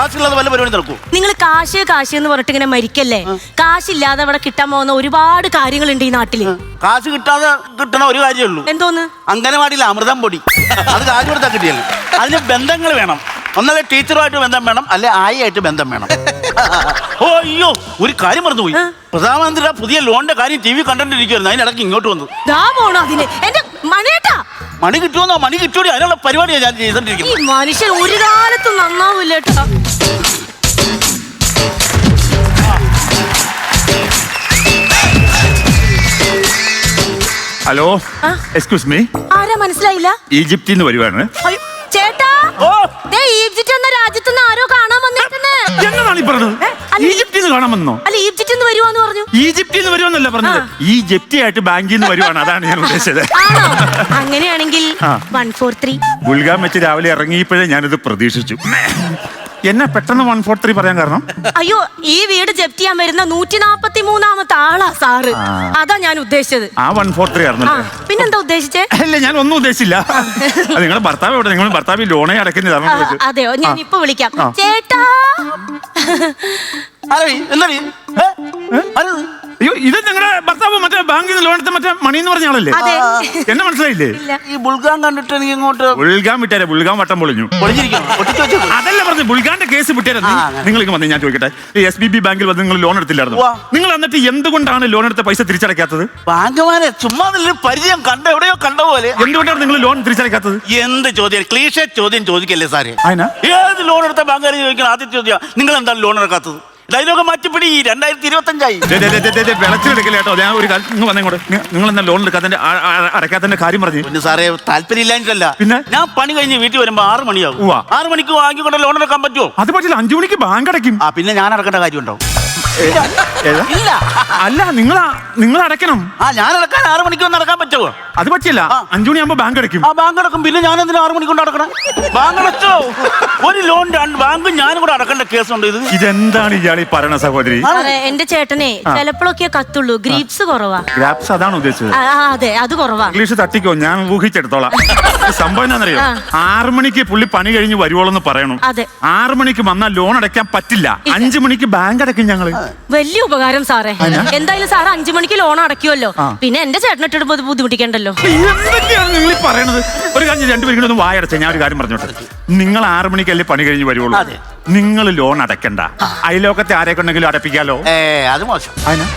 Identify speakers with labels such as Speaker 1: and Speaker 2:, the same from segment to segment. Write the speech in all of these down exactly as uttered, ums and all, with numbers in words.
Speaker 1: കാശില്ലാതെ വല്ല പരിപാടി നടക്കൂ?
Speaker 2: നിങ്ങൾ കാശ് കാശ് എന്ന് പറഞ്ഞിട്ട് ഇങ്ങനെ മരിക്കല്ലേ. കാശില്ലാതെ അവിടെ കിട്ടാൻ പോകുന്ന ഒരുപാട് കാര്യങ്ങളുണ്ട് ഈ നാട്ടില്.
Speaker 1: കാശ് കിട്ടാതെ കിട്ടണ ഒരു കാര്യമേ ഉള്ളൂ.
Speaker 2: എന്തോന്ന്?
Speaker 1: അംഗനവാടിയിൽ അമൃതം പൊടി. അത് കാശ് കൊടുത്താൽ കിട്ടിയല്ലോ. അതിന് ബന്ധങ്ങൾ വേണം. ഒന്നല്ലേ ടീച്ചറുമായിട്ട് ബന്ധം വേണം, അല്ലെ ആയിട്ട് ബന്ധം വേണം. ഓ അയ്യോ, ഒരു കാര്യം മറന്നുപോയി. പ്രധാനമന്ത്രിയുടെ പുതിയ ലോണിന്റെ കാര്യം ടി വി കണ്ടിട്ടിരിക്കുവായിരുന്നു. അതിനിടയ്ക്ക് ഇങ്ങോട്ട് വന്നു. മണി കിട്ടുമെന്നോ? മണി കിട്ടൂടി, അതിനുള്ള പരിപാടിയാണ് ഞാൻ ചെയ്തോണ്ടിരിക്കുന്നത്.
Speaker 2: ഈ മനുഷ്യൻ ഒരു കാലത്തും നന്നാവില്ല കേട്ടോ.
Speaker 3: Hello, excuse me.
Speaker 2: ആരാ മനസ്സിലായില്ല?
Speaker 3: ഈജിപ്തിൽ നിന്ന് വരുവാണ്.
Speaker 2: ചേട്ടാ, ഈജിപ്റ്റ് എന്ന രാജ്യത്ത് നിന്ന് ആരോ കാണാൻ വന്നിട്ടുണ്ട്.
Speaker 3: എന്നതാണ് ഈ പറഞ്ഞത്? ഈജിപ്തിൽ നിന്ന് കാണാൻ വന്നോ?
Speaker 2: അല്ല, ഈജിപ്തിൽ നിന്ന് വരുവാന്ന് പറഞ്ഞു.
Speaker 3: ഈജിപ്തിൽ നിന്ന് വരുവാന്നല്ല പറഞ്ഞത്, ഈ ജപ്തി ആയിട്ട് ബാങ്കിൽ നിന്ന് വരുവാണ്. അതാണ് ഞാൻ ഉദ്ദേശിച്ചത്.
Speaker 2: അങ്ങനെയാണെങ്കിൽ വൺ ഫോർ ത്രീ
Speaker 3: ഗുൽഗാം വെച്ച് രാവിലെ ഇറങ്ങിയപ്പോഴേ ഞാനിത് പ്രതീക്ഷിച്ചു. എന്നെ പെട്ടെന്ന് വൺ ഫോർ ത്രീ പറയാൻ കാരണം?
Speaker 2: അയ്യോ, ഈ വീട് ജപ്തി ചെയ്യാൻ വരുന്ന നൂറ്റി നാപ്പത്തി മൂന്നാമത്തെ ആളാ സാറ്. അതാ ഞാൻ ഉദ്ദേശിച്ചത്.
Speaker 3: ആ വൺ ഫോർ ത്രീ ആയിരുന്നു.
Speaker 2: പിന്നെന്താ ഉദ്ദേശിച്ചേ?
Speaker 3: അല്ല, ഞാൻ ഒന്നും ഉദ്ദേശിച്ചില്ല. നിങ്ങളുടെ ഭർത്താവ് എവിടെ? നിങ്ങൾ ഭർത്താവ് ലോണേ അടയ്ക്കുന്നത്?
Speaker 2: അതെയോ, ഞാൻ ഇപ്പൊ വിളിക്കാം. ചേട്ടാ,
Speaker 3: അയ്യോ, ഇത് നിങ്ങളുടെ ഭർത്താവ് മറ്റേ ബാങ്കിൽ നിന്ന് ലോൺ എടുത്ത മറ്റേ മണി എന്ന് പറഞ്ഞ ആളല്ലേ? എന്നെ മനസ്സിലായില്ലേ?
Speaker 1: ഈ ബുൾഗാൻ കണ്ടിട്ട് എനിക്ക് ഇങ്ങോട്ട്
Speaker 3: ബുൾഗാൻ വിട്ടേരെ. ബുൾഗാൻ വട്ടം പൊളിഞ്ഞു. അതല്ല പറഞ്ഞു, ബുൾഗാന്റെ കേസ് വിട്ടേരെ. നിങ്ങൾ വന്ന് ഞാൻ ചോദിക്കട്ടെ, എസ് ബി ബി ബാങ്കിൽ വന്ന് നിങ്ങൾ ലോൺ എടുത്തില്ലായിരുന്നു? നിങ്ങൾ എന്നിട്ട് എന്തുകൊണ്ടാണ് ലോൺ എടുത്ത പൈസ തിരിച്ചടയ്ക്കാത്തത്?
Speaker 1: ബാങ്കുമാരെ ചുമ്മാ പരിചയം കണ്ട എവിടെയോ കണ്ട പോലെ.
Speaker 3: എന്തുകൊണ്ടാണ് നിങ്ങൾ ലോൺ തിരിച്ചടയ്ക്കാത്തത്?
Speaker 1: എന്ത് ചോദ്യം? ക്ലീഷേ ചോദ്യം ചോദിക്കല്ലേ സാറേ.
Speaker 3: അതിനാ
Speaker 1: ഏത് ലോൺ എടുത്ത ബാങ്കുകാരെ ചോദിക്കണം? ആദ്യം ചോദ്യം, നിങ്ങൾ എന്താണ് ലോൺ എടുക്കാത്തത്? ഡയലോഗ് മാറ്റിപ്പിടി. രണ്ടായിരത്തി ഇരുപത്തി അഞ്ചായി.
Speaker 3: വിളച്ചെടുക്കില്ല കേട്ടോ. ഞാൻ ഒരു കാര്യം വന്നേങ്ങോട്ട്. നിങ്ങൾ എന്താ ലോൺ എടുക്കാത്തതിന്റെ അടയ്ക്കാത്തതിന്റെ കാര്യം പറഞ്ഞു?
Speaker 1: പിന്നെ സാറേ, താല്പര്യം ഇല്ലാഞ്ഞിട്ടല്ല. പിന്നെ ഞാൻ പണി കഴിഞ്ഞ് വീട്ടിൽ വരുമ്പോ ആറ് മണിയാവും. ആറ് മണിക്ക് വാങ്ങിക്കൊണ്ട് ലോൺ എടുക്കാൻ പറ്റുമോ?
Speaker 3: അത് പറ്റില്ല. അഞ്ചു മണിക്ക് ബാങ്ക് അടയ്ക്കും.
Speaker 1: ആ, പിന്നെ ഞാൻ അടക്കേണ്ട കാര്യമുണ്ടോ? ഇല്ല.
Speaker 3: അല്ല, നിങ്ങൾ നിങ്ങൾ അടയ്ക്കണം.
Speaker 1: ആ, ഞാൻ അടക്കാൻ ആറ് മണിക്ക് വന്ന് അടക്കാൻ പറ്റുമോ?
Speaker 3: അത് പറ്റില്ല. അഞ്ചു മണിയാകുമ്പോ ബാങ്ക് അടയ്ക്കും.
Speaker 1: ആ, ബാങ്ക് അടക്കും. പിന്നെ ഞാൻ എന്തിനാ ആറ് മണിക്കൊണ്ട് അടക്കണം? ബാങ്ക് അടച്ചോ? ഒരു ലോൺ രണ്ട് ബാങ്കും ഞാനും കൂടെ അടക്കേണ്ട കേസുണ്ട്. ഇത്
Speaker 3: ഇതെന്താണ് ഇയാൾ ഈ പറയണ സഹോദരി?
Speaker 2: എന്റെ ചേട്ടനെ ചിലപ്പോഴൊക്കെ കത്തുള്ളൂ. ഗ്രീപ്സ് കുറവാ.
Speaker 3: ഗ്രാപ്സ് അതാണ് ഉദ്ദേശിച്ചത്?
Speaker 2: അതെ, അത് കുറവാ.
Speaker 3: ഇംഗ്ലീഷ് തട്ടിക്കോ, ഞാൻ ഊഹിച്ചെടുത്തോളാം. സംഭവം എന്താണെന്നറിയോ? ആറു മണിക്ക് പുള്ളി പണി കഴിഞ്ഞ് വരുവോളെന്ന് പറയണം. ആറു മണിക്ക് വന്നാൽ ലോൺ അടയ്ക്കാൻ പറ്റില്ല. അഞ്ചു മണിക്ക് ബാങ്ക് അടയ്ക്കും ഞങ്ങള്.
Speaker 2: വലിയ ഉപകാരം സാറേ. എന്തായാലും സാറ് അഞ്ചു മണിക്ക് ലോൺ അടയ്ക്കുമല്ലോ. പിന്നെ എന്റെ ചേട്ടനിട്ടിട്ട് ബുദ്ധിമുട്ടിക്കണ്ടല്ലോ.
Speaker 3: എന്തൊക്കെയാണ് നിങ്ങൾ ഈ പറയണത്? ഒരു കാര്യം, രണ്ടുപേരും ഒന്ന് വായടച്ച. ഞാൻ ഒരു കാര്യം പറഞ്ഞോട്ടെ. നിങ്ങൾ ആറു മണിക്കല്ലേ പണി കഴിഞ്ഞ് വരുവുള്ളൂ. നിങ്ങൾ ലോൺ അടയ്ക്കണ്ട. അയലോക്കത്തെ ആരെയൊക്കെ ഉണ്ടെങ്കിലും അടപ്പിക്കാലോ.
Speaker 1: അത് മോശം.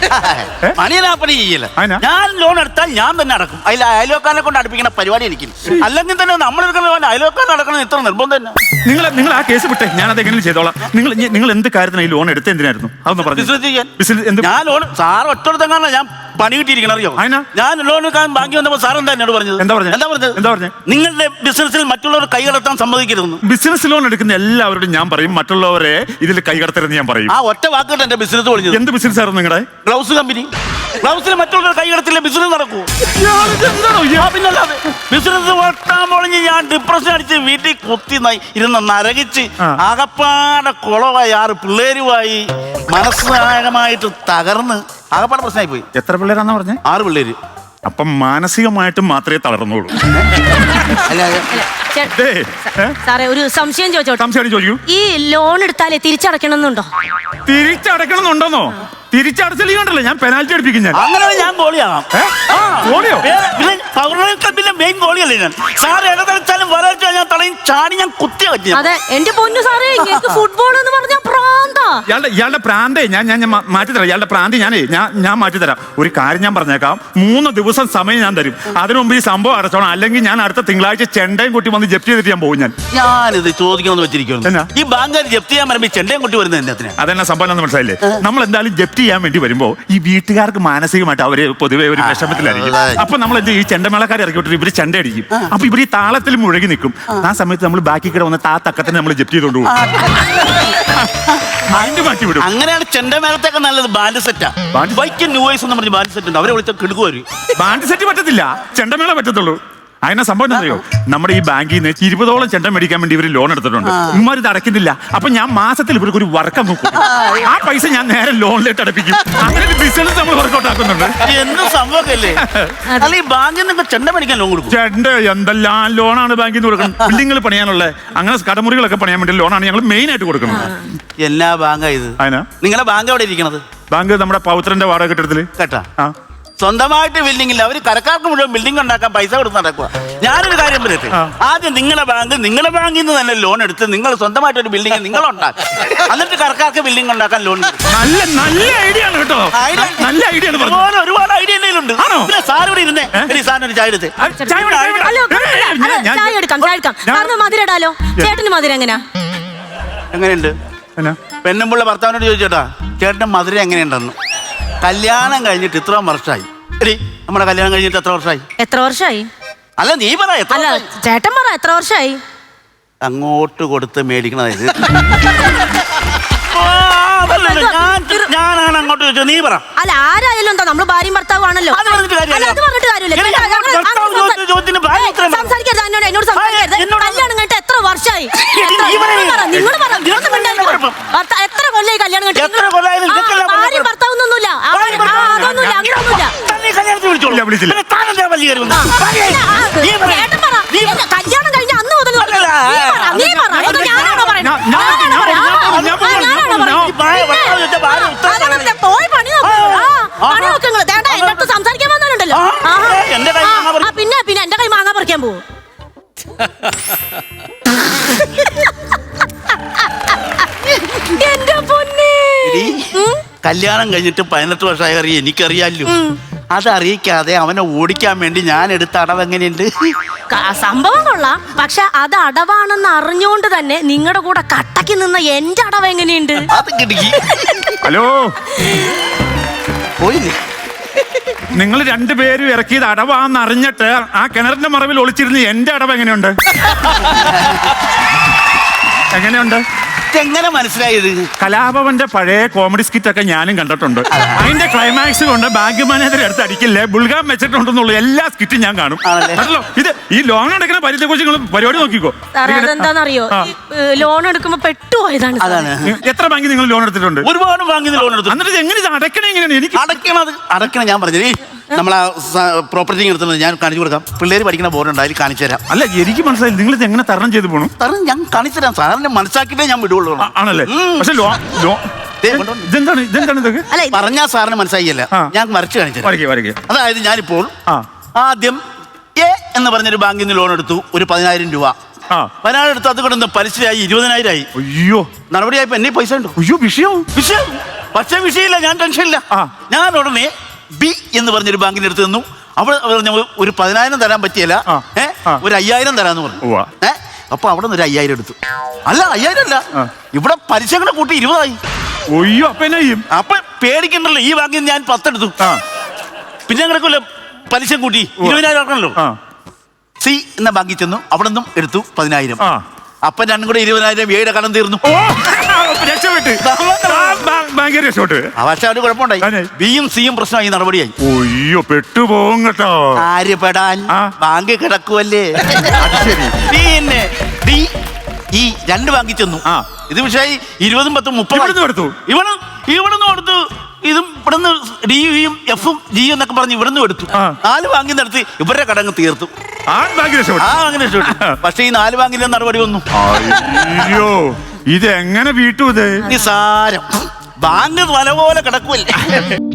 Speaker 1: പണി ചെയ്യില്ല. ഞാൻ ലോൺ എടുത്താൽ ഞാൻ തന്നെ അടക്കും. അതിൽ അയലോക്കാനെ കൊണ്ട് അടുപ്പിക്കുന്ന പരിപാടി എനിക്ക്. അല്ലെങ്കിൽ തന്നെ നമ്മൾ അയലോക്കാൻ അടക്കണം ഇത്ര നിർബന്ധം തന്നെ.
Speaker 3: നിങ്ങൾ നിങ്ങൾ ആ കേസ് വിട്ടെ, ഞാൻ അതെങ്ങനെ ചെയ്തോളാം. നിങ്ങൾ നിങ്ങൾ എന്ത് കാര്യത്തിന് ഈ ലോൺ എടുത്ത് എന്തിനായിരുന്നു? അതൊന്ന് പറഞ്ഞു.
Speaker 1: ഞാൻ ലോൺ സാർ ഒറ്റടുത്തെങ്ങാണ് ഞാൻ പണി കിട്ടിയിരിക്കണം. അറിയോ? ഞാൻ ലോൺ എടുക്കാൻ ബാങ്കി വന്നപ്പോൾ സാർ എന്താ എന്നോട് പറഞ്ഞത്? എന്താ പറഞ്ഞത്? എന്താ പറഞ്ഞത്? എന്താ പറഞ്ഞത്? നിങ്ങളുടെ ബിസിനസ്സിൽ മറ്റുള്ളവർ കൈകടത്താൻ സമ്മതിക്കരുതെന്ന്.
Speaker 3: ബിസിനസ് ലോൺ എടുക്കുന്ന എല്ലാവരോടും ഞാൻ പറയും, മറ്റുള്ളവരെ ഇതിൽ കൈകടത്തരുതെന്ന് ഞാൻ പറയും.
Speaker 1: ആ ഒറ്റ വാക്കിട്ട് എന്റെ ബിസിനസ് പൊളിഞ്ഞത്.
Speaker 3: എന്ത് ബിസിനസ് ആയിരുന്നു നിങ്ങളുടെ?
Speaker 1: Gloves company. ഗ്ലൗസിൽ മറ്റുള്ളവർ കൈകടത്തില്ല ബിസിനസ് നടക്കൂ. പിന്നല്ലാതെ ബിസിനസ് വട്ടാൻ പൊളിഞ്ഞ് ഞാൻ ഡിപ്രഷൻ അടിച്ച് വീട്ടിൽ കുത്തി ഇരുന്ന് നരകിച്ച് ആകപ്പാടെ കുളമായി ആറ് പിള്ളേരുമായി മനസ്സാകമായിട്ട് തകർന്ന് ആകപ്പാടെ പ്രശ്നമായി പോയി.
Speaker 3: എത്ര പിള്ളേരാന്ന് പറഞ്ഞേ?
Speaker 1: ആറ് പിള്ളേര്.
Speaker 3: അപ്പം മാനസികമായിട്ടും മാത്രമേ തളർന്നുള്ളൂ.
Speaker 2: സാറേ, ഒരു സംശയം ചോദിച്ചോട്ടെ.
Speaker 3: സംശയം ചോദിക്കൂ.
Speaker 2: ഈ ലോൺ എടുത്താലേ തിരിച്ചടയ്ക്കണമെന്നുണ്ടോ?
Speaker 3: തിരിച്ചടയ്ക്കണമെന്നുണ്ടോന്നോ? തിരിച്ചടച്ചില്ലണ്ടല്ലോ, ഞാൻ പെനാൽറ്റി അടിപ്പിക്കും. ഞാൻ
Speaker 1: അങ്ങനെ ഞാൻ ഗോളിയാകാം. മെയിൻ ഗോളിയല്ലേ ഞാൻ. സാർ ഇടതളിച്ചാലും വരച്ചാൽ ഞാൻ തളയും ചാടി ഞാൻ കുത്തിയ പറ്റി.
Speaker 2: അതെ, എന്റെ പൊന്നു സാറേ, ഫുട്ബോൾ എന്ന് പറഞ്ഞ പ്രാന്താ.
Speaker 3: ഇയാളുടെ ഇയാളുടെ പ്രാന്തേ ഞാൻ ഞാൻ മാറ്റിത്തരാം. ഇയാളുടെ പ്രാന്തി ഞാനേ ഞാൻ ഞാൻ മാറ്റിത്തരാം. ഒരു കാര്യം ഞാൻ പറഞ്ഞേക്കാം, മൂന്ന് ദിവസം സമയം ഞാൻ തരും. അതിനു മുമ്പ് ഈ സംഭവം അടച്ചോണം. അല്ലെങ്കിൽ ഞാൻ അടുത്ത തിങ്കളാഴ്ച ചെണ്ടയും കുട്ടി വന്ന് ജപ്തി ചെയ്തിട്ട് ഞാൻ പോകും. ഞാൻ
Speaker 1: ഞാനിത് ചോദിക്കണമെന്ന് വെച്ചിരിക്കുന്നു. ഈ ബാങ്കുകാർ ജപ്തി ചെയ്യാൻ വരുമ്പോൾ ചെണ്ടയും കുട്ടി വരുന്നത്
Speaker 3: അതെന്നാ സംഭവം എന്ന് മനസ്സിലായില്ലേ? നമ്മൾ എന്തായാലും ജപ്തി ചെയ്യാൻ വേണ്ടി വരുമ്പോ ഈ വീട്ടുകാർക്ക് മാനസികമായിട്ട് അവര് പൊതുവെ ഒരു വിഷമത്തിലായിരിക്കും. അപ്പൊ നമ്മൾ എന്ത് ഈ ചെണ്ടമേളക്കാരെ ഇറക്കി വിട്ടിട്ട് ഇവര് ചെണ്ട അടിക്കും. അപ്പൊ ഇവര് ഈ താളത്തിൽ മുഴുകി നിൽക്കും. ആ സമയത്ത് നമ്മൾ ബാക്കി കിട വന്ന് താ തക്കത്തിന് നമ്മൾ ജപ്തി ചെയ്തോണ്ട് പോകും.
Speaker 1: അങ്ങനെയാണ് ചെണ്ടമേളത്തൊക്കെ നല്ലത്. ബാൻഡ് സെറ്റാ. ബൈക്ക് ന്യൂ വോയ്സ് എന്ന് പറഞ്ഞ ബാൻഡ് സെറ്റ് ഉണ്ട്. അവരെ വിളിച്ച കിടക്കുവരും.
Speaker 3: ബാൻഡ് സെറ്റ് പറ്റത്തില്ല, ചെണ്ടമേള പറ്റത്തുള്ളൂ. അതിനെ സംഭവം എന്താ അറിയോ, നമ്മുടെ ഈ ബാങ്കിൽ നിന്ന് ഇരുപതോളം ചെണ്ട മേടിക്കാൻ വേണ്ടി ഇവർ ലോൺ എടുത്തിട്ടുണ്ട്. ഇവന്മാർ ഇത് അടയ്ക്കുന്നില്ല. അപ്പൊ ഞാൻ മാസത്തിൽ ഇവർക്ക് ഒരു വർക്കം നോക്കും. ആ പൈസ ഞാൻ നേരെ ലോണിലേക്ക് അടപ്പിക്കും. അങ്ങനെ ബിസിനസ് നമ്മൾ വർക്കൗട്ട് ആക്കുന്നുണ്ട്.
Speaker 1: എന്ത് സംഭവമല്ലേ? അല്ല ഈ ബാങ്കിൽ നിന്ന് ചെണ്ട മേടിക്കാൻ ലോൺ കൊടുക്കും?
Speaker 3: ചെണ്ട എന്തെല്ലാം ലോണാണ് ബാങ്കിൽ നിന്ന് കൊടുക്കുന്നത്. ബിൽഡിങ്ങൾ പണിയാനുള്ള അങ്ങനെ കടമുറികളൊക്കെ പണിയാൻ വേണ്ടി ലോണാണ് ഞങ്ങൾ മെയിൻ ആയിട്ട് കൊടുക്കുന്നത്.
Speaker 1: എല്ലാ ബാങ്കാ ഇത്?
Speaker 3: അതിനാ
Speaker 1: നിങ്ങളെ ബാങ്ക് എവിടെ ഇരിക്കണത്?
Speaker 3: ബാങ്ക് നമ്മുടെ പൗത്രന്റെ വാടക കെട്ടിടത്തില്.
Speaker 1: കേട്ടാ,
Speaker 3: ആ
Speaker 1: സ്വന്തമായിട്ട് ബിൽഡിംഗ് ഇല്ല. അവര് കരക്കാർക്ക് മുഴുവൻ ബിൽഡിംഗ് ഉണ്ടാക്കാൻ പൈസ കൊടുത്ത് നടക്കുക. ഞാനൊരു കാര്യം പറയട്ടെ, ആദ്യം നിങ്ങളെ ബാങ്ക് നിങ്ങളെ ബാങ്കിൽ നിന്ന് തന്നെ ലോൺ എടുത്ത് നിങ്ങൾ സ്വന്തമായിട്ട് ഒരു ബിൽഡിംഗ് നിങ്ങൾ ഉണ്ടാക്കും. എന്നിട്ട് കരക്കാർക്ക് ബിൽഡിംഗ് ഉണ്ടാക്കാൻ ലോൺ.
Speaker 3: നല്ല നല്ല ഐഡിയ ആണ് കേട്ടോ. നല്ല ഐഡിയ ആണ്.
Speaker 1: ഒരുപാട് ഒരുപാട് ഐഡിയ ഉണ്ട്. പിന്നെ സാർ ഇവിടെ ഇരുന്നേ, സാറിന് ഒരു ചായ എടുത്ത്.
Speaker 2: ഹലോ, അല്ല, ചായ എടുക്കാം, ചായ എടുക്കാം. സാറിന് മധുരം ഇടാലോ. ചേട്ടന് മധുരം എങ്ങനെയാ?
Speaker 1: എങ്ങനെയുണ്ട്? പെണ്ണുമ്പുള്ള ഭർത്താവിനോട് ചോദിച്ചോട്ടാ, ചേട്ടൻ്റെ മധുരം എങ്ങനെയുണ്ടെന്ന്. കല്യാണം കഴിഞ്ഞിട്ട് ഇത്ര വർഷമായി. എടി, നമ്മുടെ കല്യാണം കഴിഞ്ഞിട്ട് എത്ര വർഷമായി?
Speaker 2: എത്ര വർഷമായി?
Speaker 1: അല്ല നീ പറ.
Speaker 2: അല്ല ചേട്ടൻ പറ, എത്ര വർഷമായി?
Speaker 1: അങ്ങോട്ട് കൊടുത്ത് മേടിക്കണത്. ഞാനാണ് അങ്ങോട്ട് ചോദിച്ചത്, നീ പറ.
Speaker 2: അല്ല ആരായാലും എന്താ, നമ്മള് ഭാര്യയും ഭർത്താവും ആണല്ലോ.
Speaker 1: അത് പറഞ്ഞിട്ട് കാര്യമില്ല.
Speaker 2: അത് പറഞ്ഞിട്ട് കാര്യമില്ല. സംസാരിക്കരുത് എന്നോട്, എന്നോട് സംസാരിക്കരുത്. കല്യാണം കഴിഞ്ഞിട്ട് എത്ര വർഷമായി? നിങ്ങൾ പറ, എത്ര കൊല്ലായി കല്യാണം കഴിഞ്ഞിട്ട്? ഭാര്യയും ഭർത്താവൊന്നുമില്ല, അതൊന്നുമില്ല, അങ്ങനെയൊന്നുമില്ല. ചേട്ടൻ പറ, കല്യാണം കഴിഞ്ഞ അന്ന് മുതൽ നീ പറ, അതോ ഞാനാണോ പറയുന്നത്? പോയി പണി നോക്കൂ. പണി നോക്കുങ്ങൾ ദേണ്ട എന്റെ അടുത്ത് സംസാരിക്കാൻ വന്നാലുണ്ടല്ലോ. പിന്നെ പിന്നെ എന്റെ കൈ മാങ്ങാ പറിക്കാൻ പോവും. എന്റെ പൊന്നേ,
Speaker 1: കല്യാണം കഴിഞ്ഞിട്ട് പതിനെട്ട് വർഷമായി അറിയാം, എനിക്കറിയാലോ. അതറിയിക്കാതെ അവനെ ഓടിക്കാൻ വേണ്ടി ഞാൻ എടുത്ത അടവ് എങ്ങനെയുണ്ട്?
Speaker 2: സംഭവം കൊള്ളാം. പക്ഷെ അത് അടവാണെന്ന് അറിഞ്ഞുകൊണ്ട് തന്നെ നിങ്ങളുടെ കൂടെ കട്ടക്ക് നിന്ന എന്റെ അടവ് എങ്ങനെയുണ്ട്?
Speaker 1: അത് കിടക്കി.
Speaker 3: ഹലോ,
Speaker 1: പോയില്ലേ?
Speaker 3: നിങ്ങൾ രണ്ടുപേരും ഇറക്കിയത് അടവാന്ന് അറിഞ്ഞിട്ട് ആ കിണറിന്റെ മറവിൽ ഒളിച്ചിരുന്ന് എന്റെ അടവ് എങ്ങനെയുണ്ട്? എങ്ങനെയുണ്ട്?
Speaker 1: എങ്ങനെ മനസ്സിലായത്?
Speaker 3: കലാഭവന്റെ പഴയ കോമഡി സ്കിറ്റ് ഒക്കെ ഞാനും കണ്ടിട്ടുണ്ട്. അതിന്റെ ക്ലൈമാക്സ് കൊണ്ട് ബാങ്ക് മാനേജർ എടുത്ത് അടിക്കില്ലേ ബുൾഗാം വെച്ചിട്ടുണ്ടെന്നുള്ള എല്ലാ സ്കിറ്റും ഞാൻ കാണും. അതല്ലോ ഇത് ഈ ലോൺ എടുക്കുന്ന പരിധി കുറിച്ച് നിങ്ങൾ പരിപാടി നോക്കിക്കോ.
Speaker 2: അതെന്താണെന്നറിയോ, ലോൺ എടുക്കുമ്പോ പെട്ടുപോയതാണ്.
Speaker 3: എത്ര ബാങ്കിൽ നിങ്ങൾ ലോൺ എടുത്തിട്ടുണ്ട്?
Speaker 1: ഒരുപാട് ബാങ്കിൽ ലോൺ എടുത്തു.
Speaker 3: എന്നിട്ട് എങ്ങനെ ഇത് അടയ്ക്കണേ? എങ്ങനെയാണ് എനിക്ക്
Speaker 1: അടയ്ക്കണത്? അടയ്ക്കണം ഞാൻ പറഞ്ഞത്. നമ്മളാ പ്രോപ്പർട്ടി എടുത്തുന്നത് ഞാൻ കാണിച്ചു കൊടുക്കാം. പിള്ളേര് പഠിക്കുന്ന ബോർഡുണ്ട്, അതിൽ കാണിച്ചു തരാം.
Speaker 3: അല്ല എനിക്ക് മനസ്സിലായി നിങ്ങൾ ഇത് എങ്ങനെ തരണം ചെയ്ത് പോകണം.
Speaker 1: തരണം ഞാൻ കാണിച്ചു തരാം. സാറിനെ മനസ്സിലാക്കിയിട്ടേ ഞാൻ വിടുള്ളൂ.
Speaker 3: ആണല്ലേ? പക്ഷെ ഇതെന്താണ് ഇതെന്താണ് ഇതൊക്കെ
Speaker 1: പറഞ്ഞാൽ സാറിന് മനസ്സിലായില്ല. ഞാൻ വരച്ച് കാണിച്ചു തരാം. അതായത് ഞാനിപ്പോൾ ആദ്യം എ എന്ന് പറഞ്ഞൊരു ബാങ്കിൽ നിന്ന് ലോൺ എടുത്തു, ഒരു പതിനായിരം രൂപ. പതിനായിരം എടുത്ത് അത് കൊണ്ടൊന്ന് പലിശയായി ഇരുപതിനായിരം ആയി.
Speaker 3: അയ്യോ,
Speaker 1: നടപടിയായപ്പോ എന്നെ പൈസ ഉണ്ടോ?
Speaker 3: അയ്യോ, വിഷയം
Speaker 1: വിഷയം പക്ഷേ വിഷയമില്ല, ഞാൻ ടെൻഷനില്ല. ഞാൻ ഉടനെ ബി എന്ന് പറഞ്ഞൊരു ബാങ്കിന്റെ അടുത്ത് നിന്നു. അവിടെ ഒരു പതിനായിരം തരാൻ പറ്റിയല്ല, ഏഹ് ഒരു അയ്യായിരം തരാന്ന് പറഞ്ഞു. ഏഹ് അപ്പൊ അവിടെ നിന്ന് ഒരു അയ്യായിരം എടുത്തു. അല്ല അയ്യായിരം അല്ല, ഇവിടെ പലിശ കൂടെ കൂട്ടി ഇരുപതായി.
Speaker 3: ഒയ്യോ, അപ്പൊ എന്നാ ചെയ്യും?
Speaker 1: അപ്പൊ പേടിക്കണ്ടല്ലോ. ഈ ബാങ്കിൽ ഞാൻ പത്തെടുത്തു, പിന്നെ കിടക്കുമല്ലോ പലിശ കൂട്ടി ഇരുപതിനായിരം ആക്കണല്ലോ. സി എന്ന ബാങ്കിൽ ചെന്നു, അവിടെ നിന്നും എടുത്തു പതിനായിരം. അപ്പൊ രണ്ടും കൂടെ ഇരുപതിനായിരം ഏഴ് കടം തീർന്നു. പക്ഷെ അവര് കുഴപ്പമുണ്ടായി. ബിയും സിയും പ്രശ്നമായി, നടപടിയായി.
Speaker 3: ഒയ്യോ, പെട്ടുപോകും കേട്ടോ.
Speaker 1: ആര് പെടാൻ? ബാങ്ക് കിടക്കുവല്ലേ. പിന്നെ ഡി ഈ രണ്ട് ബാങ്കിൽ ചെന്നു. ഇത് പക്ഷേ ഇരുപതും പത്തും മുപ്പതും
Speaker 3: എടുത്തു.
Speaker 1: ഇവിടെ ഇവിടുന്ന് കൊടുത്തു. ഇതും ഇവിടുന്ന് ഡിയും എഫും ജിയും എന്നൊക്കെ പറഞ്ഞ് ഇവിടുന്ന് എടുത്തു. നാല് ബാങ്കിൽ നിന്ന് എടുത്ത് ഇവരുടെ കടങ്ങ് തീർത്തു.
Speaker 3: ആ അങ്ങനെ
Speaker 1: പക്ഷെ ഈ നാല് ബാങ്കിന്റെ നടപടി വന്നു.
Speaker 3: അയ്യോ, ഇത് എങ്ങനെ വീട്ടു? ഇത്
Speaker 1: നിസാരം. ബാങ്ക് വല പോലെ കിടക്കുമല്ലേ.